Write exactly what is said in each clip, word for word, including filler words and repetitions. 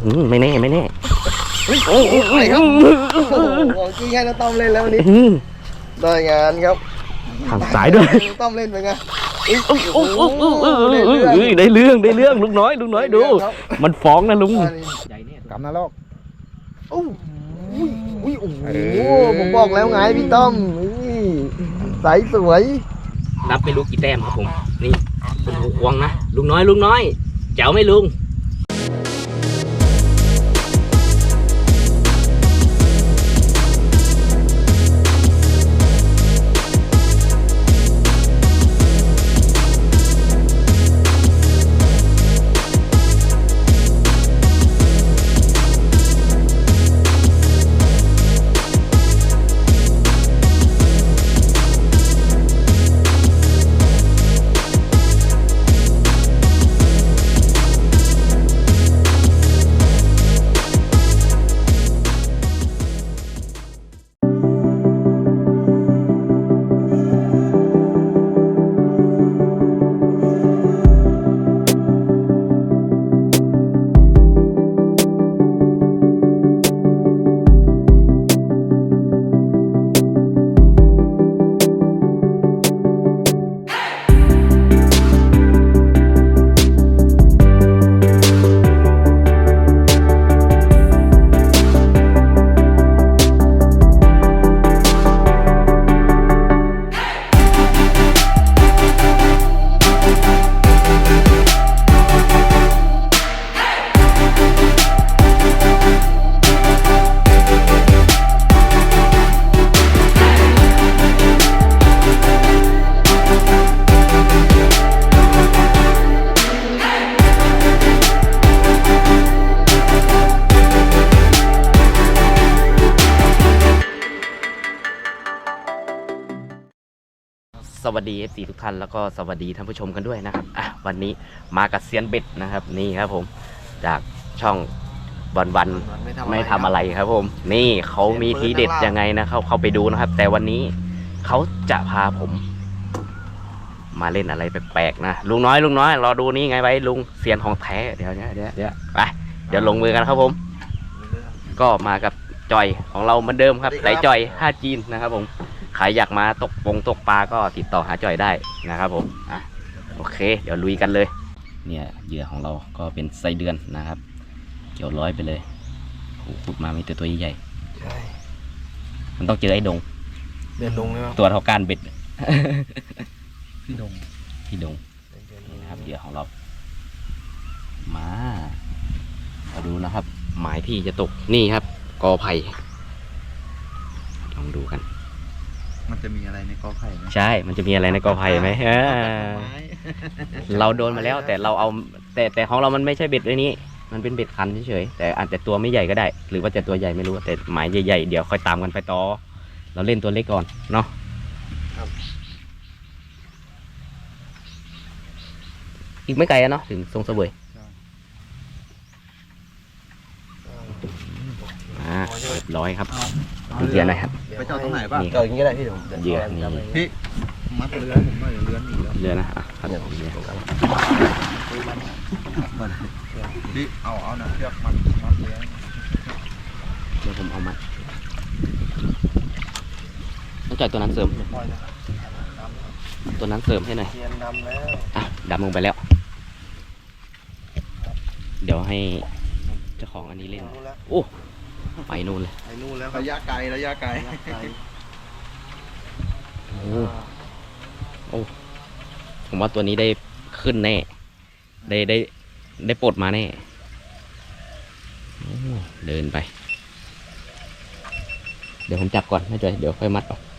ไม่แน่ไม่แน่โอ้โหไปครับโอ้โหกี้ให้น้าต้อมเล่นแล้ววันนี้ได้งานครับทางสายด้วยน้าต้อมเล่นไปไงได้เรื่องได้เรื่องลุงน้อยลุงน้อยดูมันฟ้องนะลุงกำนาลอกโอ้ยโอ้โหผมบอกแล้วไงพี่ต้อมใสสวยนับไปลูกกี่แต้มครับผมนี่เป็นหูควงนะลุงน้อยลุงน้อยแจ๋วไหมลุงสวัสดี เอฟ ซี ทุกท่านแล้วก็สวัสดีท่านผู้ชมกันด้วยนะครับอ่ะวันนี้มากับเซียนเบ็ดนะครับนี่ครับผมจากช่องวันวันไม่ทำอะไรครับผมนี่เขามีทีเด็ดยังไงนะเขาเข้าไปดูนะครับแต่วันนี้เขาจะพาผมมาเล่นอะไรแปลกๆนะลุงน้อยลุงน้อยรอดูนี่ไงไว้ลุงเซียนของแท้เดี๋ยวเดี๋ยวเดี๋ยวเดี๋ยวไปเดี๋ยวลงมือกันครับผมก็มากับจอยของเราเหมือนเดิมครับสายจอยห้าจีนนะครับผมใครอยากมาตกปงตกปลาก็ติดต่อหาจอยได้นะครับผมอ่ะโอเคเดี๋ยวลุยกันเลยเนี่ยเหยื่อของเราก็เป็นไส้เดือนนะครับเกี่ยวร้อยไปเลยโอ้ขุดมามีแต่ตัวใหญ่ใช่มันต้องเจอไอ้ดงเดินดงเลยครับตัวเท่าก้านเบ็ดพี่ดงพี่ดงนี่นะครับเหยื่อของเรามามาดูนะครับหมายที่จะตกนี่ครับกอไผ่ลองดูกันมันจะมีอะไรในกอไผ่ไหมใช่มันจะมีอะไรในกอไผ่ไหมเราโดนมาแล้วแต่เราเอาแต่แต่ของเรามันไม่ใช่เบ็ดเลยนี้มันเป็นเบ็ดคันเฉยๆแต่อาจจะตัวไม่ใหญ่ก็ได้หรือว่าจะตัวใหญ่ไม่รู้แต่หมายใหญ่ๆเดี๋ยวค่อยตามกันไปต่อเราเล่นตัวเล็กก่อนเนาะอีกไม่ไกลเนาะถึงทรงเสวยอ่าเรียบร้อยครับเหยื่อนะครับไปจอดตรงไหนป่ะจอดอย่างนี้ได้พี่ผมเหยื่อนี่พี่มัดเรือผมหน่อยเรือหนีแล้วเรือนะอ่ะครับพี่เอาเอาหนังเชือกมัดมัดเรือเดี๋ยวผมเอามัดต้องจ่ายตัวนั้นเสริมตัวนั้นเสริมให้หน่อยอ่ะดำลงไปแล้วเดี๋ยวให้เจ้าของอันนี้เล่นโอ้ไปนู่นเลยไปนู่นแล้วระยะไกลระยะไกลโอ้โอ้ผมว่าตัวนี้ได้ขึ้นแน่ได้ได้ได้ปลดมาแน่เดินไปเดี๋ยวผมจับก่อนนะจอยเดี๋ยวค่อยมัดออก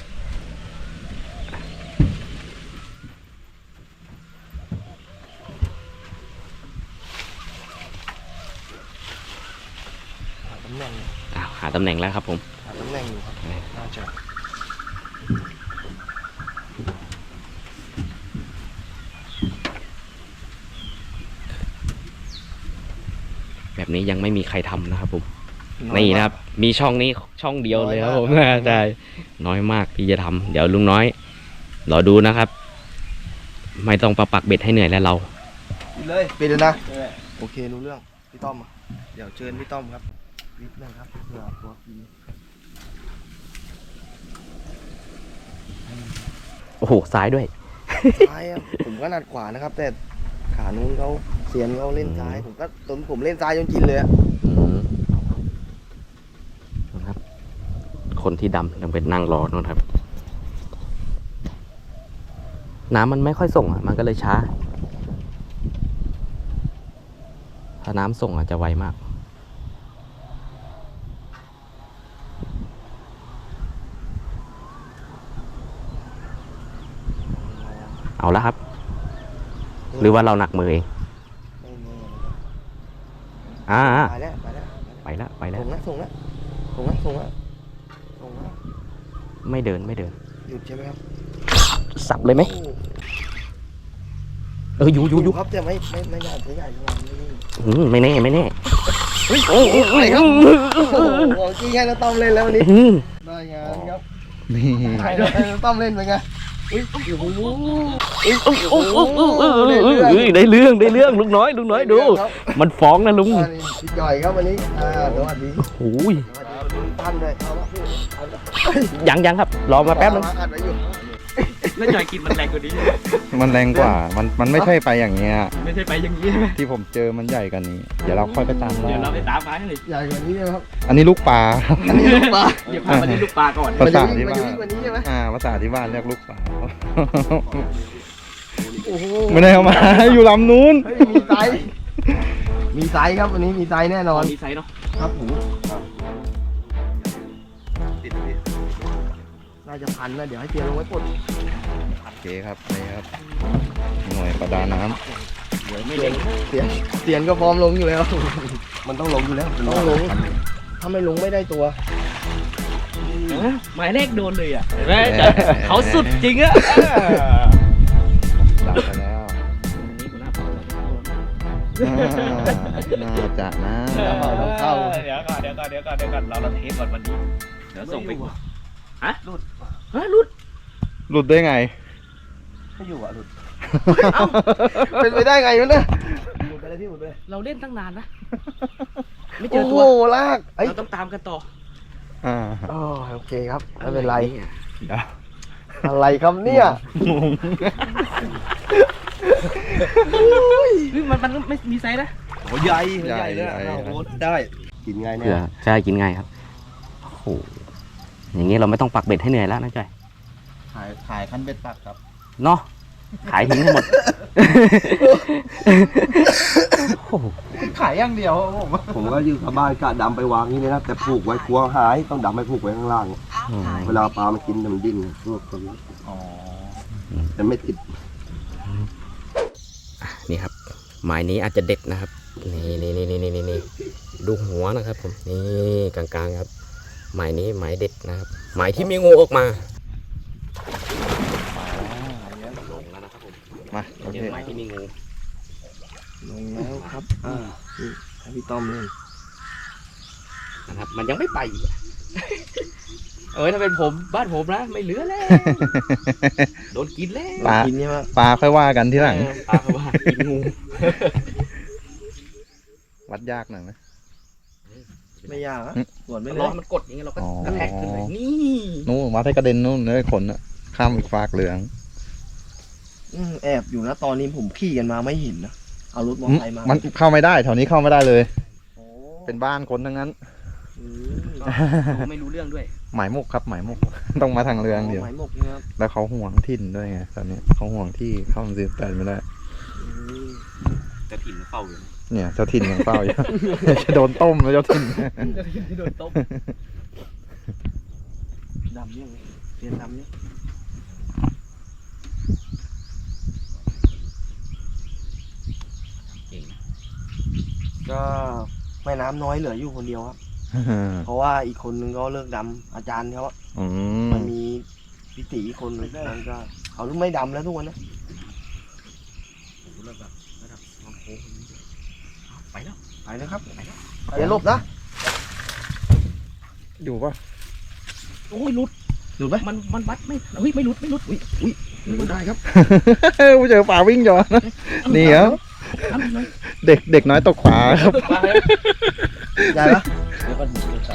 หาตำแหน่งแล้วครับผมหาตำแหน่งอยู่ครับน่าจะแบบนี้ยังไม่มีใครทำนะครับผมนี่นะครับมีช่องนี้ช่องเดียวเลยครับผมใช่น้อยมากที่จะทำเดี๋ยวลุงน้อยรอดูนะครับไม่ต้องประปักเบ็ดให้เหนื่อยแล้วเราเลยไปเลยนะโอเครู้เรื่องพี่ต้อมเดี๋ยวเชิญพี่ต้อมครับนิดนึงครับเผื่อตัวกินโอ้โหซ้ายด้วยซ้ายครับผมก็นัดขวานะครับ แต่ขานู้นเขาเสียนเขาเล่นซ้ายผมก็ตนผมเล่นซ้ายจนกินเลยอะอืมนะครับ คนที่ดำยังเป็นนั่งรอนู่นครับ น้ำมันไม่ค่อยส่งอ่ะ มันก็เลยช้า ถ้าน้ำส่งอ่ะจะไวมาก เอาละครับ หรือว่าเราหนักมือเองไม่แน่อ่าไปแล้วไปแล้วไปแล้วไปแล้วส่งแล้วส่งแล้วส่งแล้วส่งแล้วส่งแล้วไม่เดินไม่เดินหยุดใช่ไหมครับสับเลยไหม เอออยู่อยู่อยู่ครับแต่ไม่ไม่ไม่ใหญ่ไม่ใหญ่เท่าไหร่ไม่นี่อืมไม่แน่ไม่แน่โอ้โหอะไรครับโอ้โหของจริงให้เราต้อมเล่นแล้ววันนี้อืมได้งานครับนี่ให้เราต้อมเล่นไปไงอุ้ยโอ้โหโอ้โอ้โอ้โอ้โอ้ได้เรื่องได้เรื่องลุงน้อยลุงน้อยดู มันฟ้องนะลุงอ่านี่พี่จ่อยครับวันนี้อ่าสวัสดีโอ้ยสวัสดีท่านเลยเอาละพี่เอาละยังยังครับรอมาแป๊บนึงอัดไว้อยู่แล้วจอยกินมันแรงกว่านี้มันแรงกว่า มันมันไม่ใช่ไปอย่างเงี้ยไม่ใช่ไปอย่างนี้ใช่ไหมที่ผมเจอมันใหญ่กว่านี้ เดี๋ยวเราค่อยไปตามล่าเดี๋ยวเราไปตามฟ้าให้เลยใหญ่กว่านี้ใช่ไหมครับอันนี้ลูกปลาครับอันนี้ลูกปลาเดี๋ยวพามาเล่นลูกปลาก่อนภาษามันที่จะบ้าวิ่งนกว่านี้ใช่ไหมอ่าภาษาที่บ้านเรียกลูกปลาโอ้โหไม่ได้เอามา อยู่ลำนู้นเฮ้ยมีไซส์มีไซส์ครับวันนี้มีไซส์แน่นอนมีไซส์เนาะครับผมน่าจะพันนะเดี๋ยวให้เตียลงไว้ปลดโอเคครับนี่ครับ หน่วยประดาน้เดี๋ยวไม่เล็งเตียนเตียนก็พร้อมลงอยู่แล้ว มันต้องลงอยู่แล้วต้องลง ถ้าไม่ลงไม่ได้ตัวหมายเลขโดนเลยอ่ะเห็นไหมจอยเขาสุดจริงอ่ะำดับไปแล้วอ่าน่าจะนะเดี๋ยวก่อนเดี๋ยวก่อนเดี๋ยวก่อนเดี๋ยวก่อนเดี๋ยวก่อนเราเราเทสก่อนวันนี้เดี๋ยวส่งไปฮะหลุดฮะหลุดหลุดได้ไงไม่อยู่อ่ะหลุดเป็นไปได้ไงวะเนี่ยหลุดไปเลยพี่หลุดไปเลยเราเล่นตั้งนานนะไม่เจอโอ้ตัโหวลากเอ้ยเราต้องตามกันต่ออ่าอ๋อโอเคครับไม่เป็นไรเดี๋ยวอะไรครับเนี่ยงงเฮ้ยมันมันไม่มีไซส์นะโอ้ใหญ่ใหญ่ใหญ่โอ้ได้กินง่ายเกแน่ลือใช่กินง่ายครับโอ้โหอย่างงี้เราไม่ต้องปักเบ็ดให้เหนื่อยแล้วนะจ้อยขายขายคันเบ็ดปักครับเนาะขายทิ้งให้หมดโอ้โหขายอย่างเดียวผมผมก็ยืมชาวบ้านกะดำไปวางนี่เลยนะแต่ผูกไว้กลัวหายต้องดำไปผูกไว้ข้างล่างอืมเวลาปลามันกินเนี่ยมันดิ้นพวกตัวนี้อ๋อแต่ไม่ติดนี่ครับหมายนี้อาจจะเด็ดนะครับ นี่นี่นี่นี่นี่นี่ดูหัวนะครับผมนี่กลางๆครับ หมายนี้หมายเด็ดนะครับ หมายที่มีงูออกมาลงแล้วนะครับผมมาโอเจเคอหมายที่มีงูลงแล้วครับอ่านี่ให้พี่ต้อมเล่นนะครับ มันยังไม่ไปอีกอะเออถ้าเป็นผมบ้านผมนะไม่เหลือแล้วโดนกินแล้วปลากินใช่ไหมปลาค่อยว่ากันที่หลังปลาเขาว่ากินงูวัดยากหน่อยไหมไม่ยากอะอืมส่วนไม่ร้เลอย นมันกดอย่างเงี้ยเราก็อ๋อกระแทกขึ้นเลยนี่นู่นวัดให้กระเด็นนู่นเลยขนอะข้ามอีกฟากเหลืองอืมแอบอยู่นะตอนนี้ผมขี่กันมาไม่เห็นนะเอารถมอเตอร์ไซค์มามันเข้าไม่ได้แถวนี้เข้าไม่ได้เลยโอ้เป็นบ้านคนทั้งนั้นอืมก็ไม่รู้เรื่องด้วยหมายมุกครับหมายมุก ต้องมาทางเรืองเดียวหมายหมกนะครับแล้วเขาห่วงถิ่นด้วยไงตอนนี้เขาห่วงที่เข้ามาซื้อแต่ไม่ได้อืมจะถิ่นเฝ้าอยู่เนี่ยเจ้าถิ่นยังเฝ้าอยู่ จะโดนต้มแล้วเจ้าถิ่นจะถิ่นที่โดนต้มดำยังไงเรียนดำยังก็แม่น้ำน้อยเหลืออยู่คนเดียวครับ เพราะว่าอีกคนนึงก็เลิกดำอาจารย์เขาอะอืมมันมีพิตีอีกคนนึงมันก็เขาไม่ดำแล้วทุกวันนะไปแล้วไปนะครับอย่าหลบนะอยู่ปะโอ้ยหลุดหลุดไหมมันมันวัดไม่เฮ้ยไม่หลุดไม่หลุดอุ้ยอุ้ยหลุดได้ครับเจอป่าวิ่งย้อนนะนี่ครับเด็กเด็กน้อยตกปลาครับใหญ่ปะแล้วก็ดูต่อ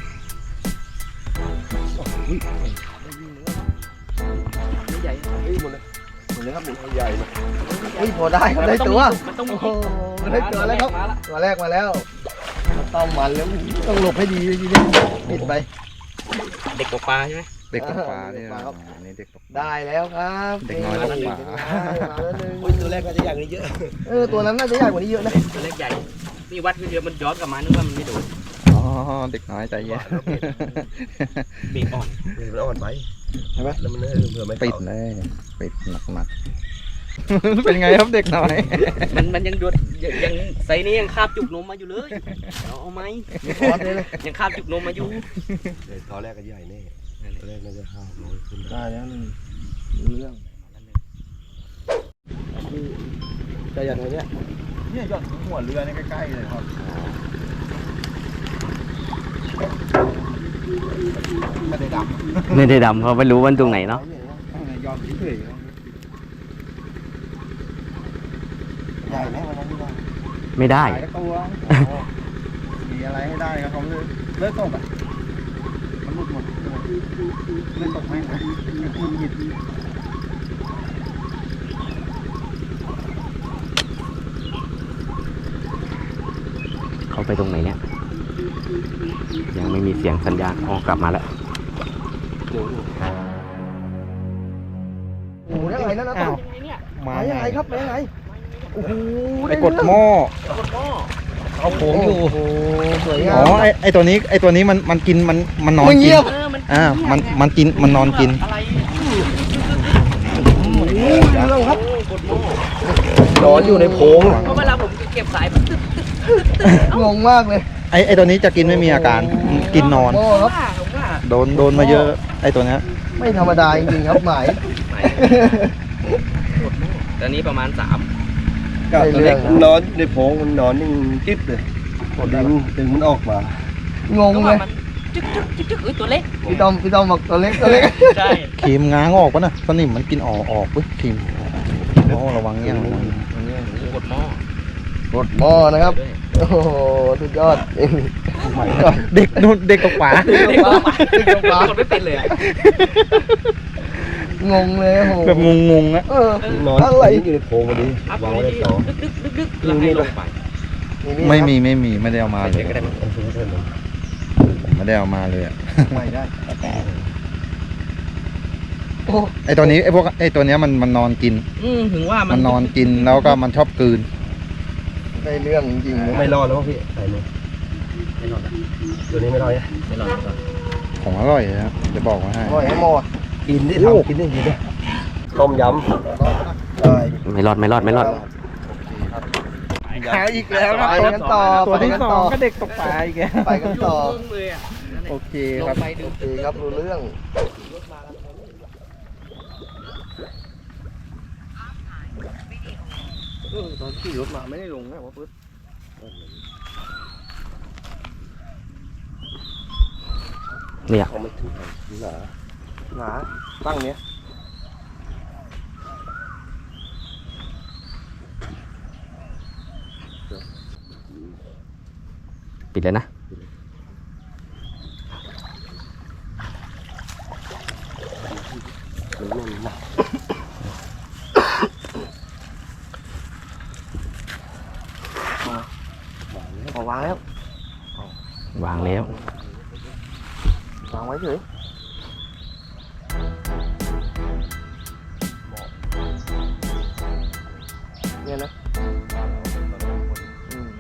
ไม่ใหญ่เฮ้ยหมดเลยหมดเลยครับหนึ่งใหญ่เลยเฮ้ยพอได้ครับได้ตัวมันต้องโอ้มีโหได้ตัวแล้วครับตัวแรกมาแล้วต้องมันแล้วต้องหลบให้ดีเลยทีนี้ปิดไปเด็กตกปลาใช่ไหมเด็กตกปลาเนี่ยเด็กตกปลาครับอันนี้เด็กตกปลาได้แล้วครับเด็กน้อยต้องหมามาแล้วหนึ่งตัวแรกก็จะอย่างนี้เยอะเออตัวนั้นน่าจะใหญ่กว่านี้เยอะนะตัวเล็กใหญ่นี่วัดเดียวมันย้อนกลับมานึกว่ามันไม่โดนอ๋อเด็กน้อยใจเย็นเบรกอ่อนมันอ่อนไปใช่ไหมแล้วมันเผื่อไม่ปิดเลยปิดหนักหนักๆ เป็นไงครับเด็กน้อยมันมันยังโดนยังยังไซนี้ยังคาบจุกนมมาอยู่เลยเอาเอาไหมคอร์สเลยเลยยังคาบจุกนมมาอยู่ตอนแรกก็ใหญ่แน่ตอนแรกน่าจะห้าร้อยขึ้นได้แล้วหนึ่งรู้เรื่องจะอย่างไรเนี่ยเนี่ยยอดหัวเรือนี่ใกล้ๆเลยครับไม่ได้ดำไม่ได้ดำเพราะไม่รู้ว่าตรงไหนเนาะยอดเฉยใหญ่ไหมวันนั้นที่ว่าไม่ได้หายตัวมีอะไรให้ได้ครับเขาเลยเลิกตกอ่ะมันหมดหมดเลิกตกแม่งเลยหยิบเขาไปตรงไหนเนี่ยยังไม่มีเสียงสัญญาณอ๋อกลับมาแล้วโอ้โหได้ไงนั่นนะอ้าวมายังไงครับมายังไงโอ้โหไปกดหม้อเอาโผงอยู่โอ้โหสวยงาอ๋อมไอไอตัวนี้ไอตัวนี้มันมันกินมันมันนอนมันกิเงีนยบอ่ามันมันกินมันนอนกินโอ้โหเรื่องครับนอนอยู่ในโพงเพราะเวลาผมเก็บสายงงมากเลยไอไอตัวนี้จะกินไม่มีอาการกินนอนโอ้ครับผมว่าโดนโดนมาเยอะไอตัวเนี้ยไม่ธรรมดาจริงๆครับหมายตอนนี้ประมาณสามก็ตัวเล็กมันนอนในโพรงมันนอนนิ่งกิ๊บเลยดึงดึงมันออกมางงเลยจึ๊กจึ๊กจึ๊กจึ๊กเอ้ยตัวเล็กพี่ต้อมพี่ต้อมบอกตัวเล็กตัวเล็กใช่ครีมง้างออกปะนะสนิมมันกินออกออกเว้ยครีมโอ้ระวังเงี้ยระวังกดหม้อกดหม้อนะครับโอ้โหสุดยอดเองเด็กนู่นเด็กตกปลาเด็กตกปลาเด็กตกปลากดไม่เป็นเลยอะงงเลยโอ้โหแบบงงๆอะเออนอนอะไรอยู่ในโพรงพอดีอัพวางไปไว้ในที่ต่อดึกดึกดึกดึกแล้วให้ลงไปไม่มีไม่มีไม่ได้เอามาเลยเดี๋ยวก็ได้มั้งไม่ได้เอามาเลยอะไม่ได้โอ้ไอตัวนี้ไอพวกไอตัวเนี้ยมันมันนอนกินอืมถึงว่ามัมันนอนกินแล้วก็มันชอบกลืนได้เรื่องจริงๆเลยไม่รอดแล้วพี่ใส่เลยไม่รอดละตัวนี้ไม่รอดนะไม่รอดไม่รอดของอร่อยนะครับจะบอกว่าให้ปล่อยให้หม้อกินได้ทำกินได้กินได้ต้มยำได้ไม่รอดไม่รอดไม่รอดหาอีกแล้วไปกันต่อตัวไปที่กันสอต่งอก็เด็กตกปลาอีกแล้วไปกันต่อเลยอ่ะโอเคลครังบไปดูโอเคครับรู้เรื่องตอนขี่รถมาไม่ได้ลงนะว่าปึ๊บเนี่ยเขาไม่ถึงหนาหนาตั้งเนี้ยปิดเลยนะมันแน่นหนักพอวางแล้ววางแล้ววางไว้เฉยเนี่ยนะอืม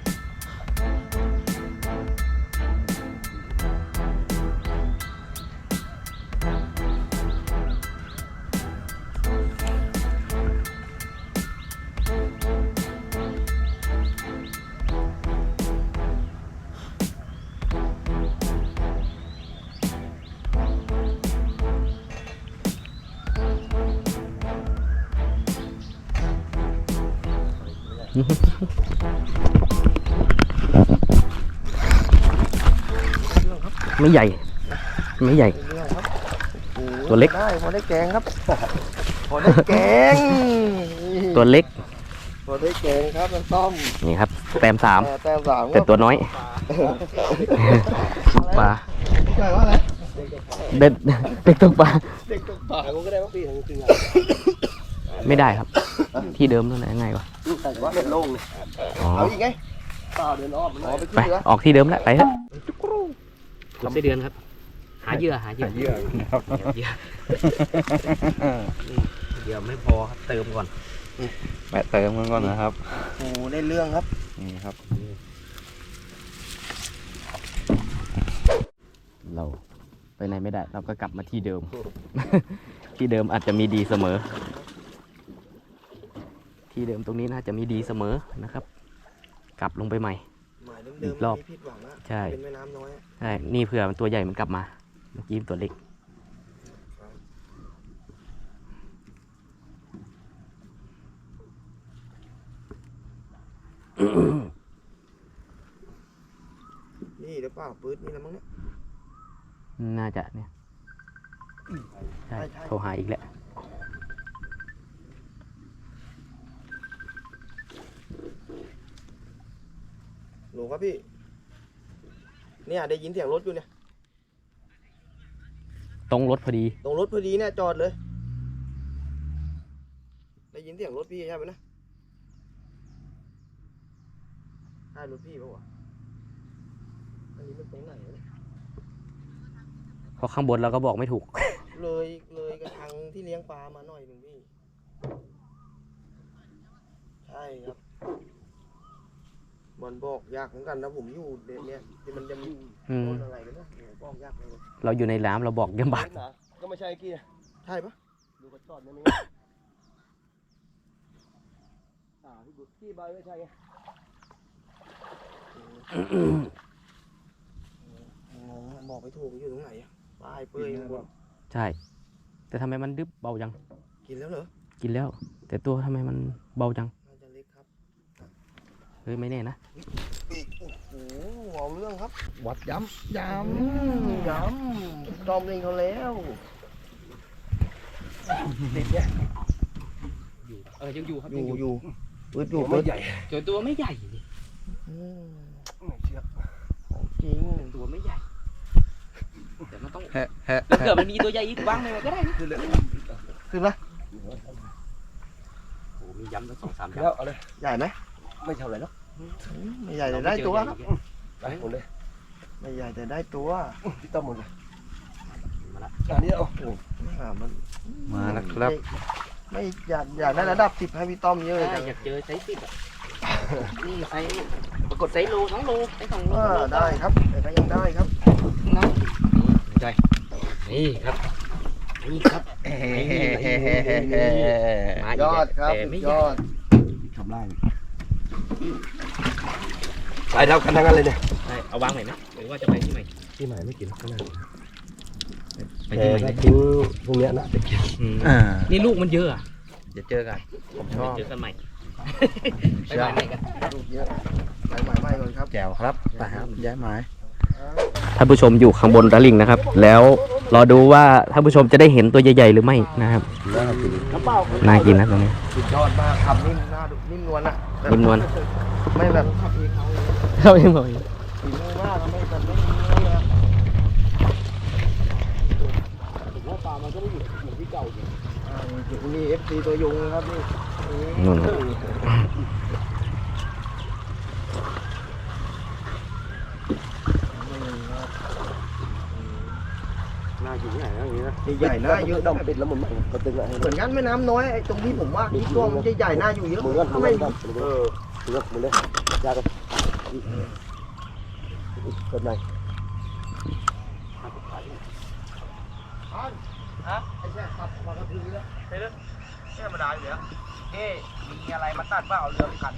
ไม่ใหญ่ ไม่ใหญ่เรื่องครับโอ้โหตัวเล็กได้พอได้แกงครับ พอได้แกงตัวเล็กพอได้เก่งครับน้ำต้มนี่ครับแต้มสามเออแต้มสามแต่ตัวน้อยปลาใช่ว่าอะไรเด็ดเด็กตกปลาเด็กตกปลากูก็ได้ว่าปีถึงจริงไม่ได้ครับ ที่เดิมนั่นแหละยังไงวะลูกใส่ว่าเล่นโล่งเลยอ๋อเอาอีกไงต่อเดินอ้อมอ๋อไปไปขึ้นเรือออกที่เดิมแล้วไปเถอะกดไส้เดือนครับ หาเหยื่อหาเหยื่อเยอะครับเหยื่อเหยื่อไม่พอครับเติมก่อนแปะเติมกันก่อนนะครับโอ้ได้เรื่องครับนี่ครับเราไปไหนไม่ได้ เราก็กลับมาที่เดิม ที่เดิมอาจจะมีดีเสมอ ที่เดิมตรงนี้น่าจะมีดีเสมอนะครับ กลับลงไปใหม่หมายอีเดิมกๆรอบไม่ผิดหวังอะใช่เป็นแม่น้ำน้อยอะใช่ นี่เผื่อมันตัวใหญ่มันกลับมา เมื่อกี้มันตัวเล็กนี่หรือเปล่าปื๊ดนี่แล้วมั้งเนี่ยน่าจะเนี่ย ใช่ใช่ใช่โทรหาอีกแล้วหนูครับพี่เนี่ยได้ยินเสียงรถอยู่เนี่ยตรงรถพอดีตรงรถพอดีเนี่ยจอดเลย ได้ยินเสียงรถพี่ใช่ไหมนะใช่รถพี่ปะวะอันนี้มันตรงไหนวะเนี่ยเพราะข้างบนเราก็บอกไม่ถูกเลยเลยกระชังที่เลี้ยงปลามาหน่อยหนึ่งพี่ ใช่ครับมันบอกยากเหมือนกันนะผมอยู่เด็เนี่ยที่มันจะมีอืมต้นอะไรกันนะโอ้โหบอกยากเลยเราอยู่ในน้ำเราบอกยำบากก็ไม่ใช่กี้ใช่ปะดูกระจอดนี่มั้ยอ่าพี่บุตรที่ใบไม่ใช่ไงงงอะบอกไม่ถูกอยู่ตรงไหนอะป้ายเปื่อยหมดใช่ แต่ทำไมมันดึบเบาจังกินแล้วเหรอกินแล้ว แต่ตัวทำไมมันเบาจังน่าจะเล็กครับเฮ้ยไม่แน่นะโอ้โหเอาเรื่องครับวัดย้ำย้อืมย้ำจอมเองเขาแล้วเด็ดเนี่ยเออยังอยู่ครับอยู่อยู่ปืดอยู่ปืดใหญ่เจอตัวไม่ใหญ่ไม่เชื่อของจริงตัวไม่ใหญ่ แต่มันต้องำแฮะแฮะถ้าเกิดมันมีตัวใหญ่อีกวางในมันก็ได้นะขึ้นละโอ้มีย้ำตั้งสองสามย้แล้วเอาเลยใหญ่ไหมไม่เท่าไหร่หรอกไม่ใหญ่ำแต่ได้ตัวครับไปหมดเลยไม่ใหญ่แต่ได้ตัวพี่ต้อมหมดเลยมาละอันนี้เอาอ่ามันมาแล้วครับไม่อยากอยากได้ระดับสิบให้พี่ต้อมเยอะเลยจังอยากเจอไซส์สิบอ่ะ นี่ไซส์ปรากฏไซส์โลสองโลไซส์สองโลเออได้ครับแต่ก็ยังได้ครับนะนี่ใจนี่ครับ นี่ครับ มาอียกอดครับแต่ไม่ยใหญ่อดทำไรไปเท่ากันทั้งนั้นเลยเนี่ยใช่เอาวางใหม่ไหมหรือว่าจะไปที่ใหม่ที่ไหนไม่กินข้างหน้าไปที่ใหม่แต่เลยทิ้งพวกเนี้ยนะจะกินอืมอ่านี่ลูกมันเยอะอ่ะเดี๋ยวเจอกัน ผมชอบเจอกันใหม่ ไปใหม่ใหม่กันลูกเยอะไปใหม่ใหม่ก่อนครับแจ๋วครับไปครับย้ายไม้ท่านผู้ชมอยู่ข้างบนตะลิ่งนะครับ แล้วรอดูว่าท่านผู้ชมจะได้เห็นตัวใหญ่ๆหรือไม่นะครับน้ำเปล่าน่ากินนะตรงนี้สุดยอดมากครับนิ่มหน้าดูนิ่มนวลอะแบบนิ่มนวลไม่แบบขับเองเขาเลยเข้าเองเลยฝีมือมากอะไม่แบบไม่มีเนื้อเลยอะผมว่าปลามันก็ไม่อยู่อยู่ที่เก่าอยู่อ่านี่เอฟซีตัวยงนะครับนี่นู่นหน้าอยู่ที่ไหนนะอย่างนี้นะใหญ่ๆหน้าเยอะดำปิดแล้วมันก็ตึงอะเหมือนกันแม่น้ำน้อยไอ้ตรงที่ผมว่าที่ตัวมันใหญ่ๆหน้าอยู่เยอะมือกันทำมือไมกันเออมือกันมือเลยยากันเกิดไหนฮะไอ้แช่ขับมากระพือแล้วเฮ้ยธรรมดาอยู่แล้วเอ๊มีอะไรมาตัดบ้างเอาเรือไปขัน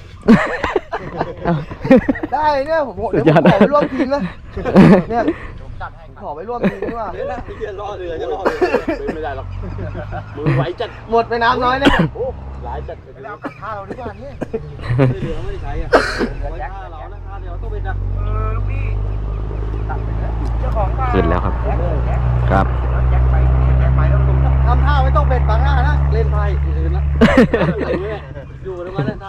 ได้เนี่ยผมเดี๋ยวผมขอไปร่วมทีมนะเนี่ยขอไปร่วมทีมดีกว่าเดี๋ยวนะเดี๋ยวรอเรือจะรอเรือไม่ได้หรอกมือไหวจัดหมดไปน้ำน้อยเนี่ยโอ้หลายจัดไปเอากระทะเราดีกว่าเนี่ยเรือไม่ได้ใช้อ่ะไว้ท่าเรานะท่าเดียวต้องเป็นนะเออพี่ตัดไปเลยเจ้าของบ้านขึ้นแล้วครับ ครับแจ็คไปแจ็คไปแล้วผมทำท่าไม่ต้องเบ็ดบางหน้านะเล่นไพ่อื่นละอยู่ตรงนั้นท่า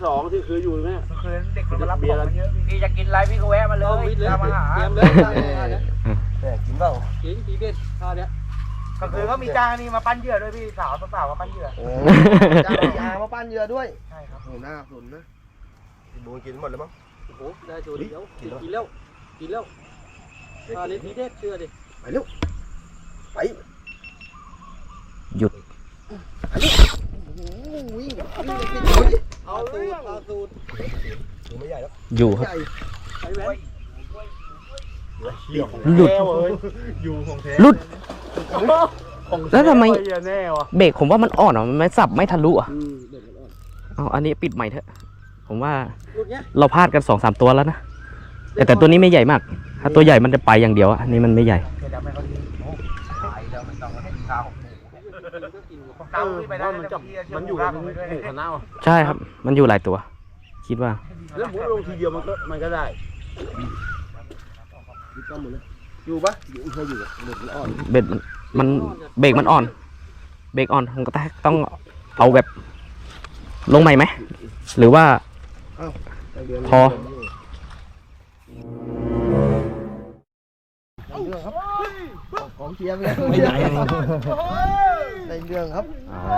สองที่คืออยู่เนี่ยคืนเด็กมันรับของเยอะพี่จะกินอะไรพี่ก็แวะมาเลยตามมาหาเตรียมเลยแต่กินเปล่ากินทีเด็ดข้าวเนี้ยก็คือเขามีจ้างนี่มาปั้นเหยื่อด้วยพี่สาวสาวมาปั้นเหยื่อโอ้จ้างยามาปั้นเหยื่อด้วยใช่ครับโอ้หน้าสนนะพี่บูกินหมดแล้วมั้งโอ้โหได้ตัวเดียวกินแล้วกินแล้วข้าวนี้ทีเด็ดเชื่อดิไปเร็วไปหยุดโอ้โหวิ่งวิ่งวิ่งวิ่งเอาสูตรเอาสูตรตัวไม่ใหญ่แล้วอยู่ครับใหญ่ไปแหวนหลุดอยู่ของแท้หลุด แล้วทำไมแน่วะเบรกผมว่ามันอ่อนอ่ะมันไม่สับไม่ทะลุอ่ะอืมเด็กมันอ่อนเอาอันนี้ปิดใหม่เถอะ ผมว่าลูกเนี้ยเราพลาดกันสองสามตัวแล้วนะ แต่แต่ตัวนี้ไม่ใหญ่มาก ถ้าตัวใหญ่มันจะไปอย่างเดียวอะอันนี้มันไม่ใหญ่เดี๋ยวไม่เขาดีโอ้ตายแล้วมันต้องให้ข้าวเตาขึ้นไปได้มันจะมันอยู่ในหมู่คณะใช่ครับ มันอยู่หลายตัว คิดว่าแล้วผมลงทีเดียวมันก็มันก็ได้อยู่ปะอยู่เคยอยู่อะเด็กมันอ่อนเบรกมันเบรกมันอ่อน เบรกอ่อนผมก็ต้องเอาแบบลงใหม่ไหม หรือว่า พอในเรื่องครับของเชียร์เลยไม่ใหญ่ในเรื่องครับ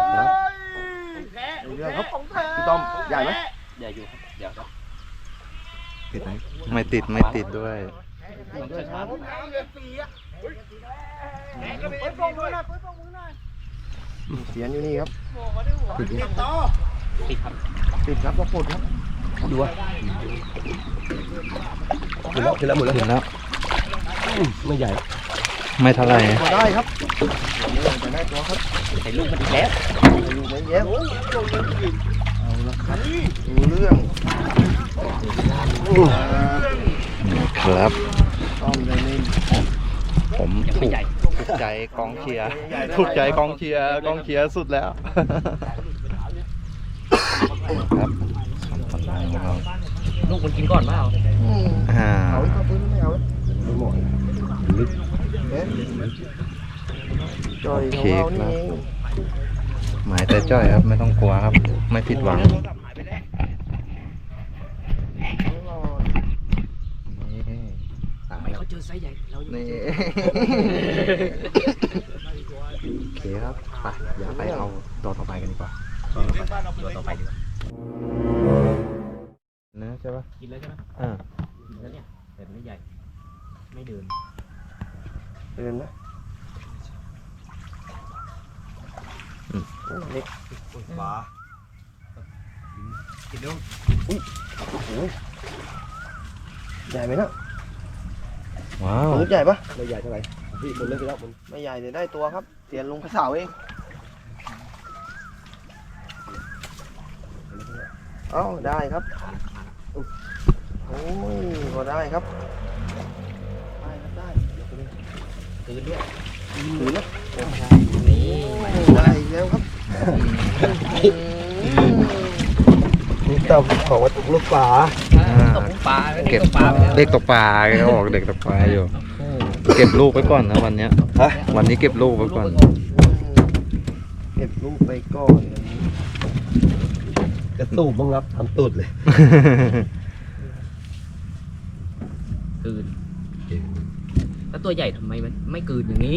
ในเรื่องครับพี่ต้อมใหญ่ไหมใหญ่อยู่ครับเดี๋ยวครับติดไหมไม่ติดไม่ติดด้วยติดด้วยครับเสียนอยู่นี่ครับติดครับติดครับติดครับก็ปลดครับดูว่าขึ้นแล้วขึ้นแล้วหมดแล้วเห็นแล้วไม่ใหญ่ไม่เท่าไหร่พอได้ครับจะได้ตัวครับเห็นลูกมันอีกแล้วดูไม่เย็บเอาละครับดูเรื่องครับต้อมเลยนี่ผมถูกถูกใจกองเชียร์ถูกใจกองเชียร์กองเชียร์สุดแล้วครับสองคนนั้นของเราลูกมันกินก่อนเปล่าอ่าเอาอีกครับไม่เอาไม่หมดลึกจอยของเรานี่เองหมายแต่จ้อยครับไม่ต้องกลัวครับ ไม่ผิดหวังนี่ทำไมเขาเจอไซส์ใหญ่เรายังไม่นี่เจอโอเคครับไปเดี๋ยวไปเอาตัวต่อไปกันดีกว่าตัวต่อไปดีกว่านะใช่ปะกินแล้วใช่ไหมอ่ากินแล้วเนี่ยแต่ไม่ใหญ่ ไม่เดินเดินนะเล็กปลากินดูอุ้ยโอ้โหใหญ่ไหมนะว้าวตัวใหญ่ปะไม่ใหญ่เท่าไหร่พี่คนเล่นไปแล้วมันไม่ใหญ่เลยได้ตัวครับเสียนลุงพระเสาเองเอ้าได้ครับโอ้ยพอได้ครับได้ครับได้คืนด้วยถือนะนี่ได้อีกแล้วครับนี่ต้อมของวัตถุลูกปลาตกปลาเก็บตกปลาไปแล้วเด็กตกปลาเขาบอกเด็กตกปลาอยู่ เก็บลูกไว้ก่อนนะวันเนี้ยวันนี้เก็บลูกไว้ก่อนเก็บลูกไปก่อนกระตูบบ้างครับทำตูดเลยคืนแล้วตัวใหญ่ทำไมมันไม่คืนอย่างนี้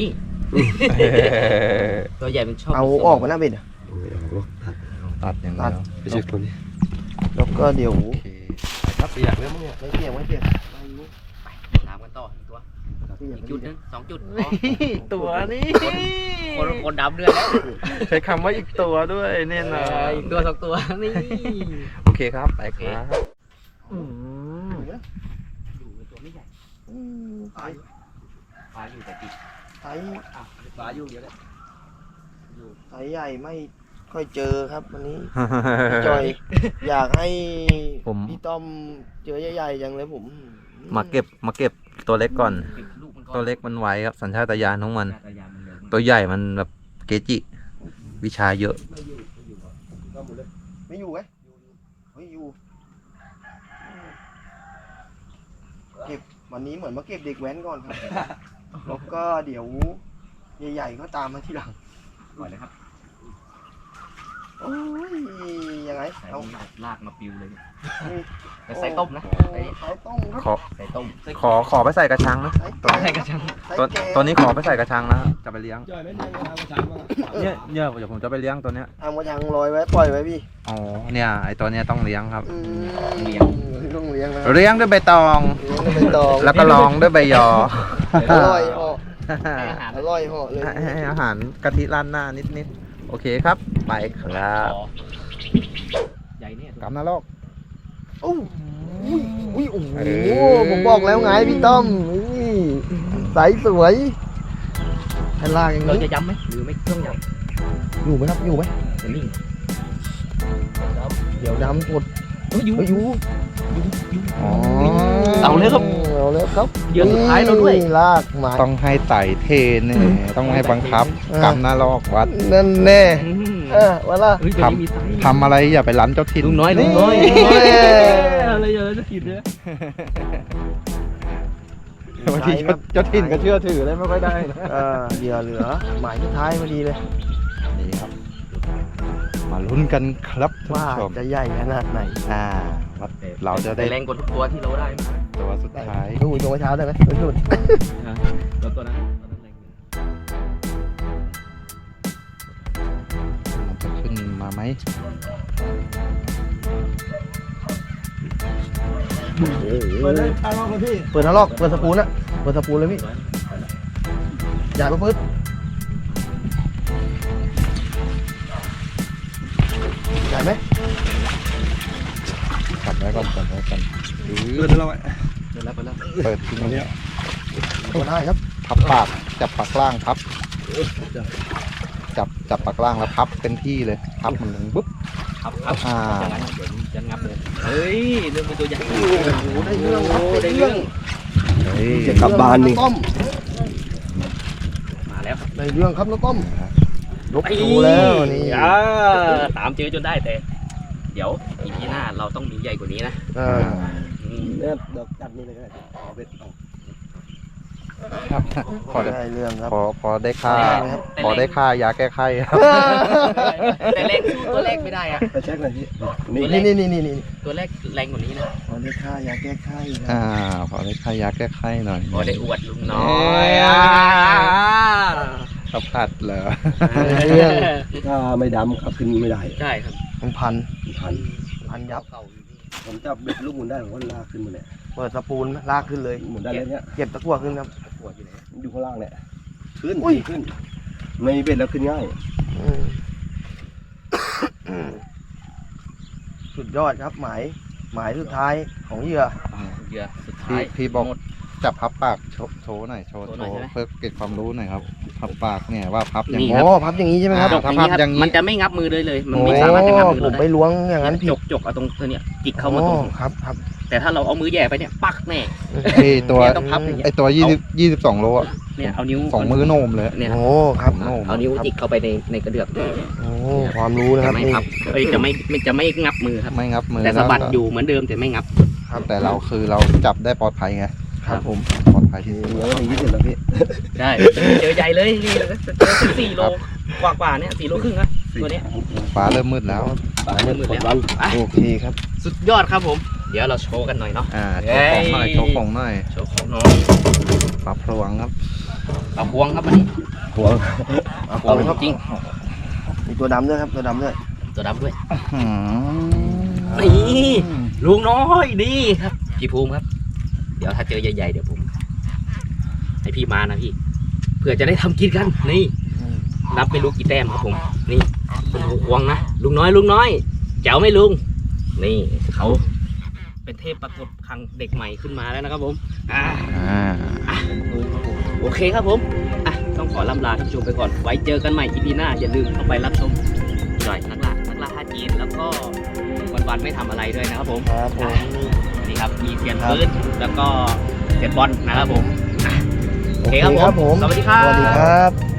ตัวใหญ่มันชอบเอาออกมาหน้าเบ็ดอ่ะตัดอย่างเดียวไม่ใช่คนนี้แล้วก็เดี๋ยวโอเคครับอยากเล่นมั้งเนี่ยไม่เปียกไม่เปียกตามกันต่ออีกตัวเปียกอีกจุดหนึงสองจุดตัวนี้คนคนดำเดือนแล้วใช้คำว่าอีกตัวด้วยเนี่ยนะอีกตัวสองตัวนี่โอเคครับไปครับอืมอยู่ในตัวไม่ใหญ่อืมไซส์ปลาอยู่แต่ติดไซส์อ่ะปลาอยู่เยอะเลยไซส์ใหญ่ไม่ค่อยเจอครับวันนี้ จอย อยากให้ผมพี่ต้อมเจอใหญ่ๆอย่างเลยผมมาเก็บมาเก็บตัวเล็กก่อนปิดลูกมันก่อนตัวเล็กมันไวครับสัญชาตญาณของมันจักรยานมันเร็วตัวใหญ่มันแบบเกจิ วิชาเยอะไม่อยู่ไหมไม่อยู่เก็บวันนี้เหมือนมาเก็บเด็กแว้นก่อนครับ แล้วก็เดี๋ยวใหญ่ๆก็ตามมาทีหลังก่อนเลยครับโอ้ยยังไงเอาลากมาปิวเลยแต่ใส่ต้มนะใส่ใส่ต้มครับขอใส่ต้มขอขอไปใส่กระชังนะตัวใส่กระชังตัวตัวนี้ขอไปใส่กระชังนะจะไปเลี้ยงจ่อยไม่เลี้ยงเอากระชังมาเนี่ยเนี่ยเดี๋ยวผมจะไปเลี้ยงตัวเนี้ยเอากระชังลอยไว้ปล่อยไว้พี่อ๋อเนี่ยไอตัวเนี้ยต้องเลี้ยงครับอืมเลี้ยงต้องเลี้ยงนะเลี้ยงด้วยใบตองเลี้ยงเป็นตองแล้วก็รองด้วยใบยออร่อยเหาะอร่อยเหาะเลยให้ให้อาหารกะทิร้านหน้านิดนิดๆโอเคครับ ไปครับใหญ่เนี่ยกำนรกโอ้ยอุ้ยโอ้โหผมบอกแล้วไงพี่ต้อมนี่ใสสวยแผ่นล่างอย่างเรานี้จะย้ำไหมหรือไม่ต้องย้อยู่ไหมครับอยู่ไหมำจะนิ่งเดี๋ยวดำกดเอ้ยอยู่เฮ้ยอยู่อ๋อเอาเลยครับเอาแล้วครับเหยื่อสุดท้ายเราด้วยนี่ลากมาต้องให้ไต่เทนเนี่ยต้องให้บังคับอ่ากำนรกวัดนั่นแน่อืมเออวันละเฮ้ยตัวนี้มีไซส์ทำอะไรอย่าไปรั้นเจ้าถิ่นลุงน้อยลุงน้อยนี่อะไรอย่าจะกินเนี่ยบางทีเจ้าเจ้าถิ่นก็เชื่อถือเลยไม่ค่อยได้นะเออเหยื่อเหลือหมายสุดท้ายพอดีเลยนี่ครับ มาลุ้นกันครับท่านว่าผู้ชมจะใหญ่ขนาดไหนอ่าว่าเราจะได้แรงกว่าทุกตัวที่เราได้มาตัวสุดท้ายดูตัวเช้าได้ไหมไม่สุดตัวตัวนั้นตัวนั้นแรงอยู่มันจะขึ้นมาไหมเปิดเลยทางเราเลยพี่เปิดทะลอกเปิดสปูนอะเปิดสปูนเลยพี่อย่าไปพืดใหญ่ไหมจับไว้ก่อนจับไว้ก่อนเปิดเราไว้เปิดแล้วเปิดแล้วเปิดทิ้งนี้เปิดได้ครับพับปากจับปากล่างพับ จับจับปากล่างแล้วพับเป็นที่เลย พับมันลงปุ๊บครับครับอ่าอย่างนั้นเดี๋ยวจะงับเลยเฮ้ยเรื่องเป็นตัวใหญ่โอ้โหได้เรื่องครับได้ได้เรื่เรื่ออง งเฮ้ยจะกลับบ้านนี่ต้มมาแล้วครับได้เรื่องครับน้องต้มลบดูแล้วนี่อ่าตามเจอจนได้แต่ เดี๋ยวอีพีหน้าเราต้องมีใหญ่กว่านี้นะอ่าอืมเนี่ยเดี๋ยวจัดนี่เลยก็ได้เอาเบ็ดออกครับพอได้ได้เรื่องครับพอพอได้ค่าครับพอได้ค่ายาแก้ไขครับแต่แรงสู้ตัวแรกไม่ได้อะไปเช็คหน่อยพี่นี่นี่นี่นี่นี่นี่ตัวแรกแรงกว่านี้นะพอได้ค่ายาแก้ไข้นะอ่า พอได้ค่ายาแก้ไขหน่อยพอได้อวดลุงน้อยอ่ะขับพัดเหรอได้เรื่องถ้าไม่ดำขับขึ้นไม่ได้ใช่ครับมันพันพันพันยับผมจับเบ็ดลูกหมุนได้ผมก็ลากขึ้นมาเนี่ยเปิดสปูนลากขึ้นเลยหมุนได้เลยเนี่ยเก็บตะกั่วขึ้นครับปวดอยู่ไหนอยู่ข้างล่างเนี่ยขึ้นอุ้ยขึ้น ไม่มีเบ็ดแล้วขึ้นง่ายอืมสุดยอดครับหมายหมายสุดท้ายของเหยื่อเหยื่อสุดท้าพี่ยพี่บอกหมดจับพับปากโชว์โชว์หน่อยโชว์โชว์โชหน่อยว์ใช่ไหมเพื่อเก็บความรู้หน่อยครับ พับปากเนี่ยว่าพับอย่างนี่นี้โอ้พับอย่างนี้ใช่ไหมครับอ่จกอย่างนี้ครับอย่างนี้มันจะไม่งับมือเลยเลย มันโอ้ไม่สามารถจะงับมือผเรามได้ไปล้วงอย่างนั้นผิจดกจกเอาตรงตัวเนี้ยจิกเข้ามาตรงโอ้ครับครับแต่ถ้าเราเอามือแหย่ไปเนี่ยปักแน่ไอตัวเนี่ยต้องพับอย่างเงี้ยไอตัวยี่สิบยี่สิบสองโลอะเนี่ยเอานิ้วสองมือโนมเลยเนี่ยโอ้ครับโน่มเอานิ้วจิกเข้าไปในในกระเดือกโอ้ความรู้นะคจะรับไม่นี่พับเอ้ยจะไม่ไม่จะไม่งับมือครับไม่งับมือแต่สะบัดล้วก็อยู่เหมือนเดิมแต่ไม่งับครับแต่เราคือเราจับได้ปลอดภัยไงครับผมปลอดภัยที่สุดเหลืออย่างนี้เสร็จแล้วพี่ได้เจอใหญ่เลยนี่เจอสี่โลกว่ากว่าๆเนี่ยสี่โลครึ่งนะตัวเนี้ยฟ้าเริ่มมืดแล้วตายมืดกดวันอ่ะโอเคครับสุดยอดครับผม เดี๋ยวเราโชว์กันหน่อยเนาะอ่าโชว์ของหน่อยเย้โชว์ของหน่อยโชว์ของน้องปลาพลวงครับเอาพวงครับวันนี้หัวเอาพวงจริงมีตัวดำด้วยครับตัวดำด้วยตัวดำด้วยอืมนี่ลุงน้อยดีครับพี่ภูมิครับ เดี๋ยวถ้าเจอใหญ่ๆเดี๋ยวผม ให้พี่มานะพี่ เพื่อจะได้ทำกินกัน นี่ นับไม่รู้กี่แต้มครับผม นี่เป็นหูควงนะลุงน้อยลุงน้อยแจ๋วไหม่ลุง นี่เขาเป็นเทพปรากฏครั้งเด็กใหม่ขึ้นมาแล้วนะครับผม อ่าอ่าโอเคครับผม อ่ะ ต้องขอล่ำลาท่านผู้ชมไปก่อน ไว้เจอกันใหม่อีพีหน้า อย่าลืมเข้าไปรับชมจ่อยนักล่านักล่าฮาจีน แล้วก็วันๆไม่ทำอะไรด้วยนะครับผมครับผมนี่ครับ มีเสียนปืนแล้วก็เสียนบอลนะครับผมอ่ะโอเคครับโอเคครับผผม มสวัสดีครับสวัสดีครับ